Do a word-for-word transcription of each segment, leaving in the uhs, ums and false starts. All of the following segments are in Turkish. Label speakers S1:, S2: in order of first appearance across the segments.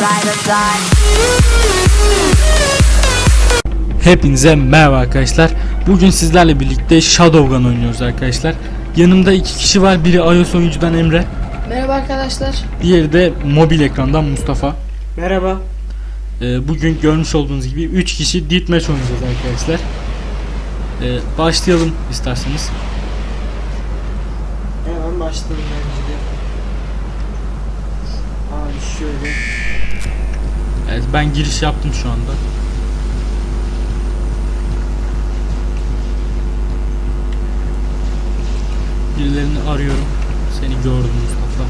S1: Hepinize merhaba arkadaşlar. Bugün sizlerle birlikte Shadowgun oynuyoruz arkadaşlar. Yanımda iki kişi var. Biri iOS oyuncudan Emre.
S2: Merhaba arkadaşlar.
S1: Diğeri de mobil ekrandan Mustafa.
S3: Merhaba.
S1: Ee, bugün görmüş olduğunuz gibi üç kişi Deathmatch oynayacağız arkadaşlar. Ee, başlayalım isterseniz.
S3: Hemen başlayalım bence de. Abi şöyle.
S1: Evet, ben giriş yaptım şu anda. Birilerini arıyorum. Seni gördüm Mustafa.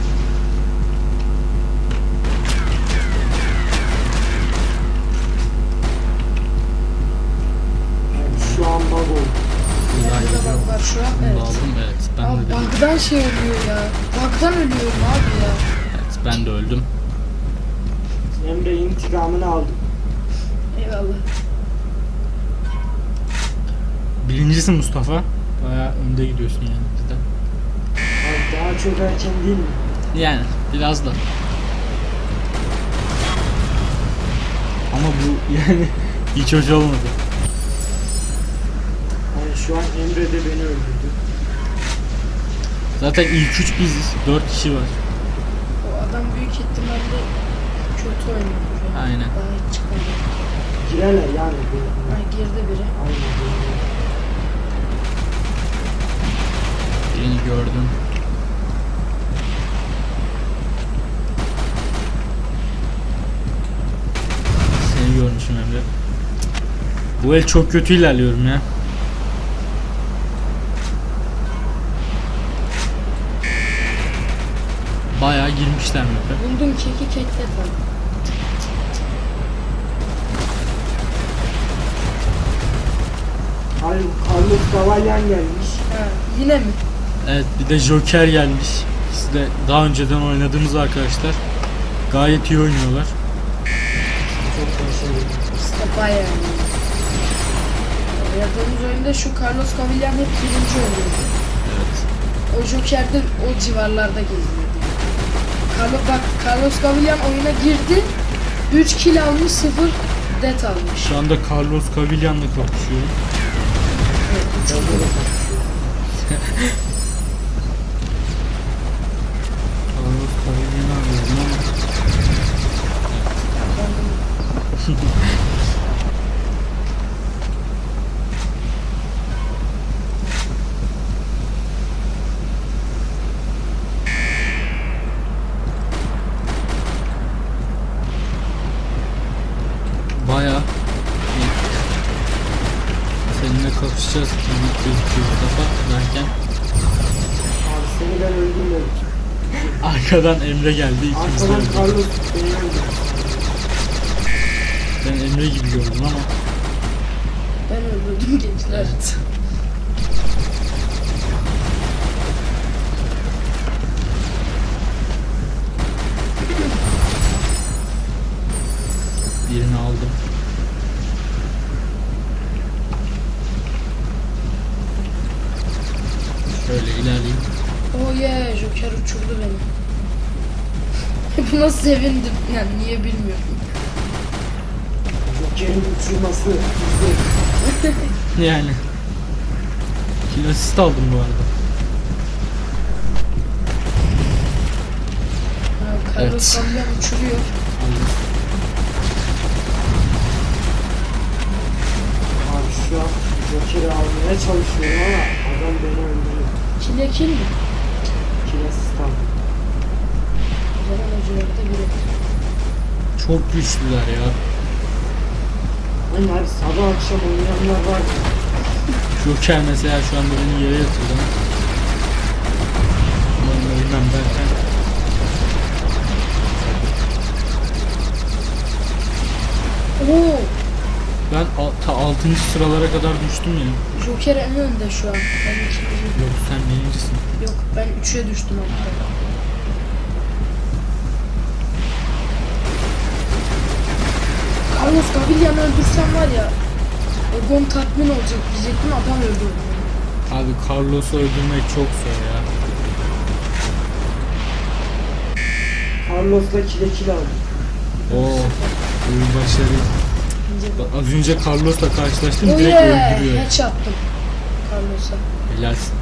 S3: Abi şu an bug oldu.
S1: Güzel
S2: Burada
S1: geliyor.
S2: bak var şu an.
S1: Bunu da
S2: Evet.
S1: aldım, evet. Ben
S2: Abi
S1: de,
S2: bug'dan şey oluyor ya. Bug'dan ölüyorum abi ya.
S1: evet, ben de öldüm.
S3: Emre intikamını aldım.
S2: Eyvallah.
S1: Birincisi Mustafa. Bayağı önde gidiyorsun yani bizden.
S3: Abi daha çok erken değil mi?
S1: Yani biraz da. Ama bu yani hiç hoş olmadı.
S3: Yani şu an Emre de beni öldürdü.
S1: Zaten ilk üç biziz. Dört kişi var.
S2: O adam büyük ihtimalle kötü oynuyor. Yani.
S1: Aynen.
S2: Daha hiç çıkmadı.
S3: Girerler yani. bu-
S2: Ha, girdi biri.
S3: Aynen.
S1: Birini gördüm. Seni görmüşüm Emre. Bu el çok kötü ilerliyorum ya. Bayağı girmişler map'e.
S2: Buldum keki kekle tam.
S3: Abi Carlos Cavalyan gelmiş.
S2: Ha, yine mi?
S1: Evet, bir de Joker gelmiş. İkisi de daha önceden oynadığımız arkadaşlar. Gayet iyi oynuyorlar.
S3: Çok başarılı.
S2: İşte bayağı iyi. Oynadığımız oyunda şu Carlos Cavillan hep birinci oluyordu.
S1: Evet.
S2: O Joker de o civarlarda geziyordu. Carlos, bak Carlos Cavillan oyuna girdi. üç kill almış, sıfır death almış.
S1: Şu anda Carlos Cavillan'la kapışıyorum.
S2: Evet, bu çok
S3: Bence de
S2: iyi.
S3: kapışıyor.
S1: Carlos Cavillan'ı arıyorum ama bayağı iyi. Seninle kapışacağız gibi gözüküyor Mustafa derken
S3: Abi seni ben öldürmedim.
S1: arkadan Emre geldi, ikimiz de
S3: Arkadan
S1: öldük.
S3: Carlos beni öldürdü.
S1: Ben Emre gibi gördüm ama
S2: Ben öldürdüm gençler.
S1: evet. Birini aldım. Şöyle ilerleyeyim.
S2: Oh yeah, Joker uçurdu beni. Buna sevindim. Yani niye bilmiyorum.
S3: Joker'in uçurması güzel.
S1: Yani. Kill assist aldım bu arada.
S2: Ha, Carlos
S1: Evet.
S2: Cavillan uçuruyor.
S1: Aldım.
S3: Abi şu an Joker'i almaya çalışıyorum ama adam beni öldürüyor.
S2: Kile kill mi?
S3: Kilesiz aldım.
S2: O zaman o civarda biri.
S1: Çok güçlüler ya.
S3: Hani abi sabah akşam oynayanlar var ya.
S1: Joker mesela şu anda beni yere yatırdı. Umarım ölmem derken.
S2: Oo,
S1: Ben al- ta altıncı sıralara kadar düştüm ya.
S2: Joker en önde şu an. Ben ikinci.
S1: Yok, sen birincisin.
S2: Yok, ben üçe düştüm hatta. Carlos Cavillan'ı öldürsem var ya, Egon tatmin olacak diyecektim, adam öldürdü.
S1: Abi Carlos'u öldürmek çok zor ya.
S3: Carlos'la kile kile aldım.
S1: Oo. Oyun başarı.
S2: İnce
S1: Bak, az önce Carlos'la karşılaştım,
S2: Oh
S1: direkt
S2: yeah.
S1: öldürüyor.
S2: Hatch attım. Carlos'a.
S1: Helalsin.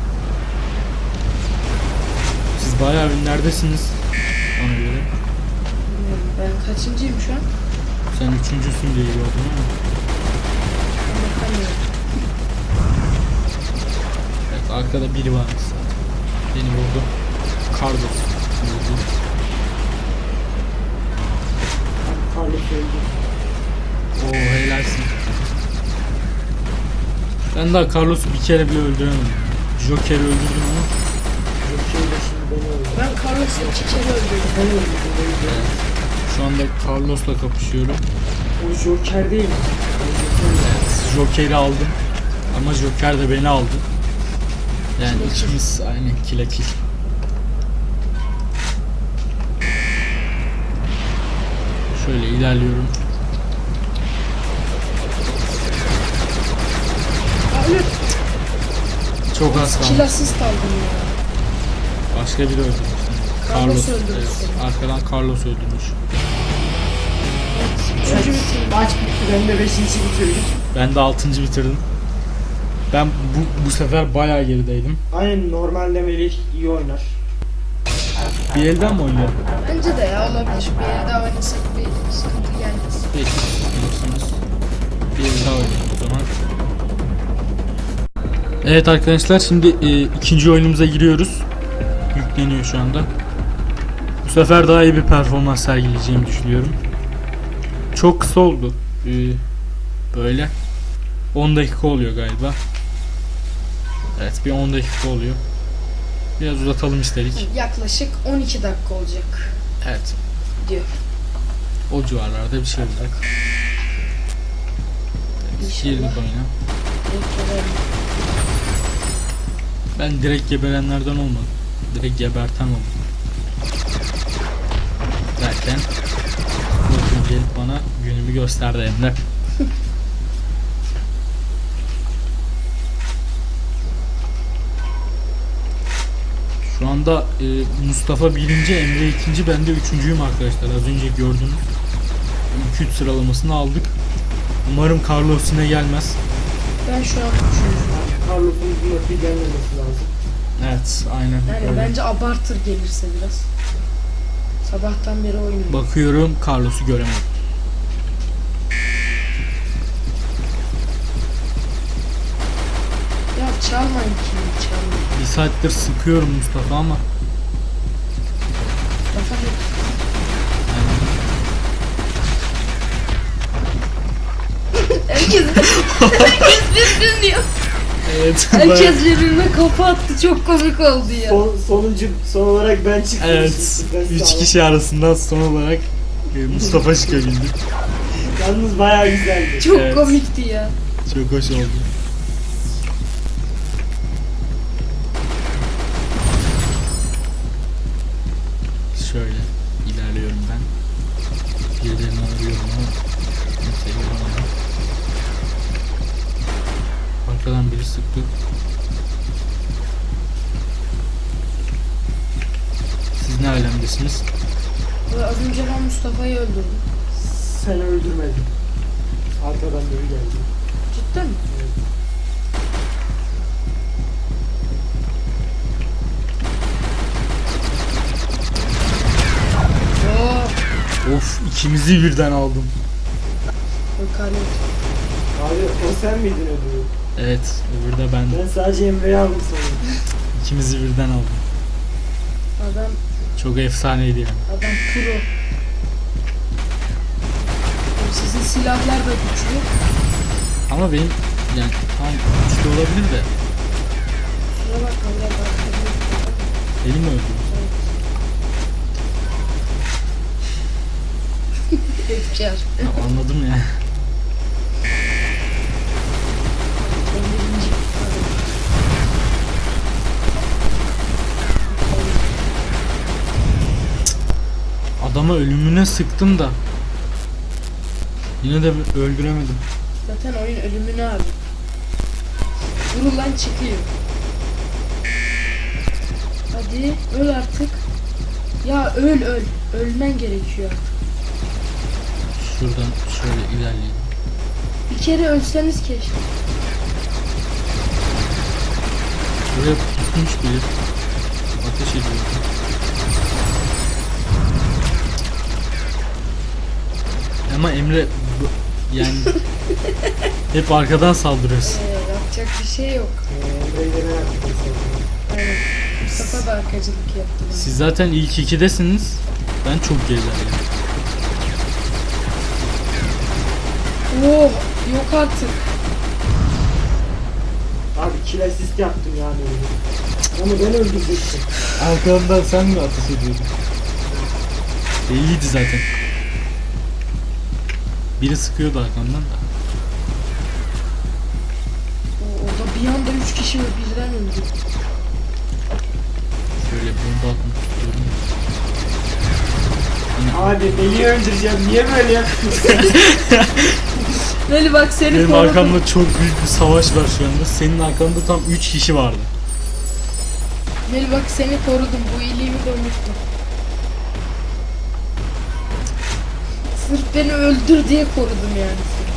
S1: Siz bayağı ünlerdesiniz. Ona göre.
S2: Bilmiyorum, ben kaçıncıyım şu an?
S1: Sen üçüncüsün diye gördüm ama.
S2: Ben bakamıyorum.
S1: Evet, arkada biri varmış zaten. Beni vurdu. Carlos vurdu.
S3: Carlos öldü.
S1: Oo, helalsin. Ben daha Carlos'u bir kere bile öldüremedim. Joker'i öldürdüm ama.
S3: Joker de şimdi beni öldü.
S2: Ben Carlos'u iki kere öldürdüm.
S3: Ben öldürdüm. öldürdüm.
S1: Evet. Şu anda Carlos'la kapışıyorum.
S3: O Joker değil mi? Ben Joker'im.
S1: Evet, Joker'i aldım. Ama Joker de beni aldı. Yani
S2: Kile kill.
S1: ikimiz aynı kile kill. Şöyle ilerliyorum.
S2: Aa, ölür.
S1: Çok az kaldı.
S2: Kill assist aldım ya.
S1: Başka biri öldürmüş.
S2: Carlos öldürmüş
S1: evet,
S2: seni.
S1: arkadan Carlos öldürmüş.
S2: Üçüncü bitirdim.
S3: Maç bitti. Ben de beşinci bitirdim.
S1: Ben de altıncı bitirdim. Ben bu, bu sefer bayağı gerideydim.
S3: Aynen, normalde Melih iyi oynar.
S1: Bir elden mi oynayalım?
S2: Bence de ya olabilir. Bir yere daha oynasak bir sıkıntı gelmez.
S1: Peki. Bilirsiniz. Bir el daha oynayalım o zaman. Evet arkadaşlar, şimdi e, ikinci oyunumuza giriyoruz. Yükleniyor şu anda. Bu sefer daha iyi bir performans sergileyeceğimi düşünüyorum. Çok kısa oldu. Ee, böyle on dakika oluyor galiba. Evet, bir on dakika oluyor. Biraz uzatalım istedik.
S2: Yaklaşık on iki dakika olacak
S1: Evet.
S2: diyor.
S1: O civarlarda bir şey olacak. Evet,
S2: İnşallah.
S1: girdik oyuna.
S2: Bekleyelim.
S1: Ben direkt geberenlerden olmadım. Direkt geberten oldum. Derken bakın gelip bana günümü gösterdi Emre. Şu anda e, Mustafa birinci, Emre ikinci, ben de üçüncüyüm arkadaşlar. Az önce gördünüz. iki üç sıralamasını aldık. Umarım Carlos yine gelmez.
S2: Ben şu an üçüncüyüm.
S3: Carlos'un buna bir gelmemesi lazım.
S1: Evet, aynen.
S2: Yani
S1: öyle.
S2: bence abartır gelirse biraz. Sabahtan beri oynuyorum.
S1: Bakıyorum, Carlos'u göremedim.
S2: Ya çalmayın kimi çalmayın.
S1: Bir saattir sıkıyorum Mustafa ama
S2: Mustafa hep herkes herkes birbirini diyor.
S1: evet.
S2: Herkes birbirine kafa attı. Çok komik oldu ya.
S3: Son, sonuncu, son olarak ben çıktım.
S1: Evet.
S3: Ben
S1: Üç
S3: sağlam.
S1: kişi arasından son olarak e, Mustafa çıkabildi.
S3: Yalnız bayağı güzeldi.
S2: Çok
S1: Evet.
S2: komikti ya.
S1: Çok hoş oldu. Şöyle ilerliyorum ben. Birilerini arıyorum ama kimseyi bulamadım. Arkadan biri sıktı. Siz ne alemdesiniz?
S2: Ve az önce ben Mustafa'yı öldürdüm.
S3: Sen öldürmedin. Arkadan biri geldi.
S2: Cidden mi? Oo,
S1: Of, ikimizi birden aldım.
S2: Carlos.
S3: Abi o sen miydin ödülü?
S1: Evet, öbürü de ben.
S3: Ben sadece Emre'yi aldım sana.
S1: İkimizi birden aldım.
S2: Adam
S1: Çok efsaneydi yani.
S2: adam pro. Oğlum sizin silahlar da güçlü.
S1: Ama benim yani tam güçlü olabilir de
S2: Şuna bakma biraz arkada.
S1: benim mi öldü?
S2: Efkar.
S1: Ya, anladım ya.
S2: Ben birinci.
S1: Adama ölümüne sıktım da yine de öldüremedim.
S2: Zaten oyun ölümünü abi. Vurulan çıkıyor. Hadi öl artık. Ya öl öl. Ölmen gerekiyor artık.
S1: Şuradan şöyle ilerleyelim.
S2: Bir kere ölseniz keşke.
S1: Buraya pusmuş biri. Ateş ediyor. Ama Emre bu- yani hep arkadan saldırıyorsun.
S2: Ee, yapacak bir şey yok.
S3: Ee, Emre'yi de merak ettim sonra.
S2: Aynen. Mustafa da arkacılık yaptı bana.
S1: Siz zaten ilk ikidesiniz. Ben çok gerilerdeyim.
S2: Oh, yok artık.
S3: Abi kill assist yaptım yani. Onu ben öldürecektim.
S1: Arkamdan sen mi ateş ediyordun? Belliydi zaten. Biri sıkıyordu arkamdan da.
S2: O- Orada bir anda üç kişi birden öldü.
S1: Şöyle bomba atmak istiyorum.
S3: Abi beni öldüreceğim. Niye böyle yapıyorsun?
S2: Veli bak seni
S1: Benim
S2: korudum.
S1: arkamda çok büyük bir savaş var şu anda. Senin arkanda tam üç kişi vardı.
S2: Veli bak seni korudum. Bu iyiliğimi de unutma. Sırf beni öldür diye korudum yani seni.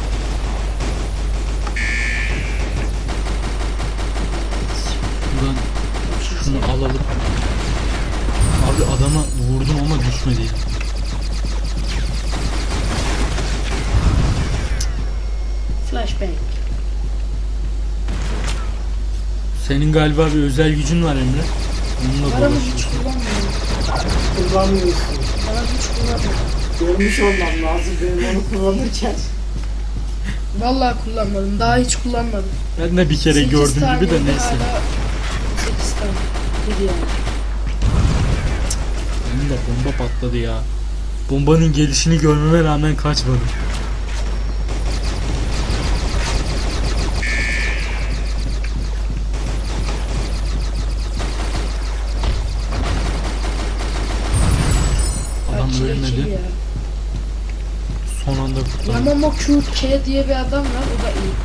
S1: Buradan şunu alalım. Abi adama vurdum ama düşmedi ya.
S2: Flashbang.
S1: Senin galiba bir özel gücün var Emre. Onunla
S2: Bana mı hiç
S1: dolaşıyorsun.
S2: kullanmıyorum.
S3: Kullanmıyorsun.
S2: Bana hiç kullanmıyorum.
S3: Görmüş olmam lazım benim onu kullanırken.
S2: Vallahi kullanmadım. Daha hiç kullanmadım.
S1: Ben de bir kere
S2: Sekiz
S1: gördüm gibi de
S2: taneydi,
S1: neyse.
S2: hala sekiz tane. Bir yani.
S1: Benim de bomba patladı ya. Bombanın gelişini görmeme rağmen kaçmadım. Adam
S2: Bak, çile çile
S1: ölmedi.
S2: ya.
S1: Son anda kurtardı.
S2: Yamamo Q K diye bir adam var. O da iyi.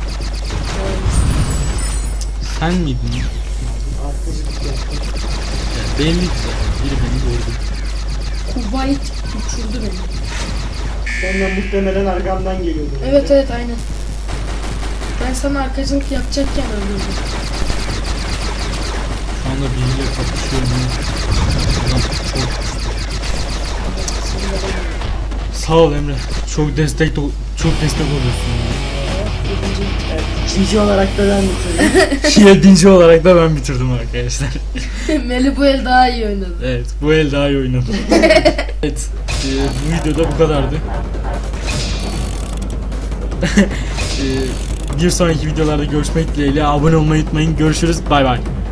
S1: Sen miydin?
S3: Arkacılık yaptım.
S1: Ya belliydi zaten. Biri beni gördü.
S2: Kuwait uçurdu beni.
S3: Senden muhtemelen arkamdan geliyordu.
S2: Evet evet aynen. Ben sana arkacılık yapacakken öldürdüm.
S1: Şu anda biriyle kapışıyorum. ya. Adam çok... Sağ ol Emre. Çok destek çok destek oluyorsun.
S3: Evet, ikinci olarak da ben bitirdim.
S1: Yedinci olarak da ben bitirdim arkadaşlar.
S2: Meli bu el daha iyi oynadı.
S1: Evet, bu el daha iyi oynadı. Evet, e, bu videoda bu kadardı. e, bir sonraki videolarda görüşmek dileğiyle. Abone olmayı unutmayın. Görüşürüz. Bay bay.